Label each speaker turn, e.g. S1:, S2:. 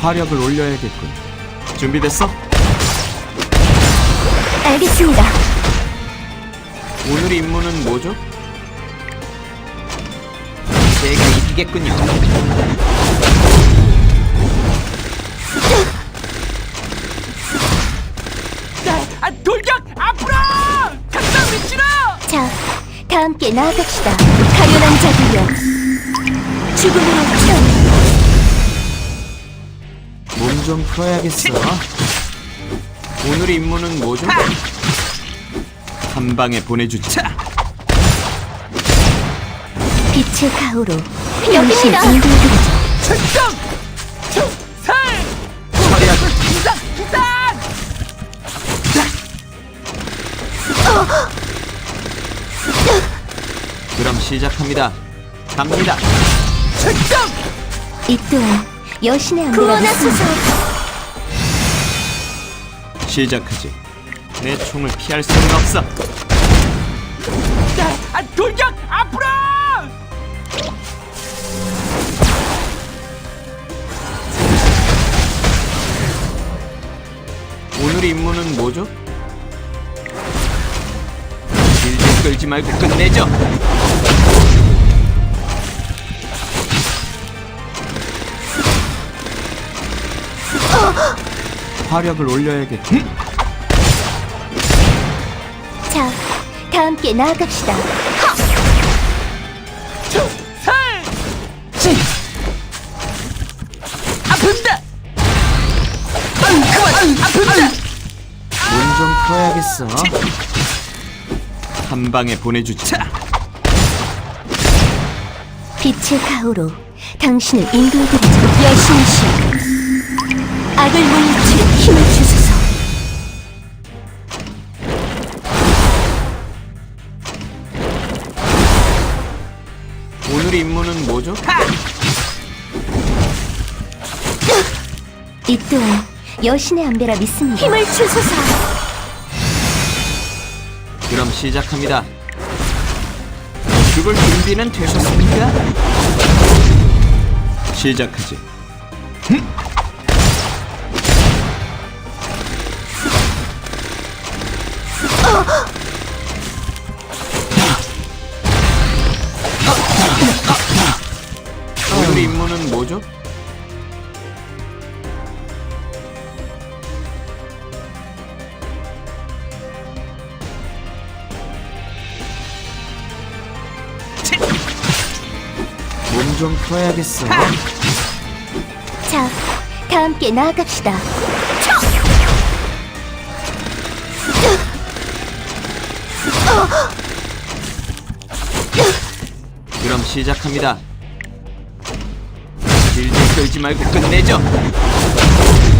S1: 화력을 올려야겠군. 준비됐어?
S2: 알겠습니다.
S1: 오늘 임무는 뭐죠? 제가 이기겠군요.
S3: 돌격 앞으로! 각자 위치로!
S2: 자, 다 함께 나아갑시다. 가련한 자들여, 죽음으로 태어나.
S1: 몸 좀 풀어야겠어. 오늘 임무는 뭐죠? 한 방에 보내주자.
S2: 빛의 가호로 여기입니다. 인도해드리죠.
S3: 출동! 살!
S1: 처리하자.
S3: 기상! 기상!
S1: 그럼 시작합니다. 갑니다.
S3: 출동!
S2: 이 또한 여신의 안배라 믿습니다.
S1: 시작하지. 내 총을 피할 수는 없어.
S3: 돌격 앞으로!
S1: 오늘 임무는 뭐죠? 질질 끌지 말고 끝내죠. 화력을 올려야겠지.
S2: 자, 다 함께 나아갑시다.
S3: 살! 아픕니다! 아픕니다!
S1: 몸 좀 풀어야겠어. 한 방에 보내주자.
S2: 빛의 가호로 당신을 인도해드리죠. 여신이시여, 악을 물리치는 힘을 주소서.
S1: 오늘 임무는 뭐죠?
S2: 이 또한 여신의 안배라 믿습니다. 힘을 주소서.
S1: 그럼 시작합니다. 죽을 준비는 되셨습니까? 시작하지. 오늘 임무는 뭐죠? 몸 좀 풀어야겠어.
S2: 자, 다 함께 나아갑시다.
S1: 그럼 시작합니다. 질질 끌지 말고 끝내죠.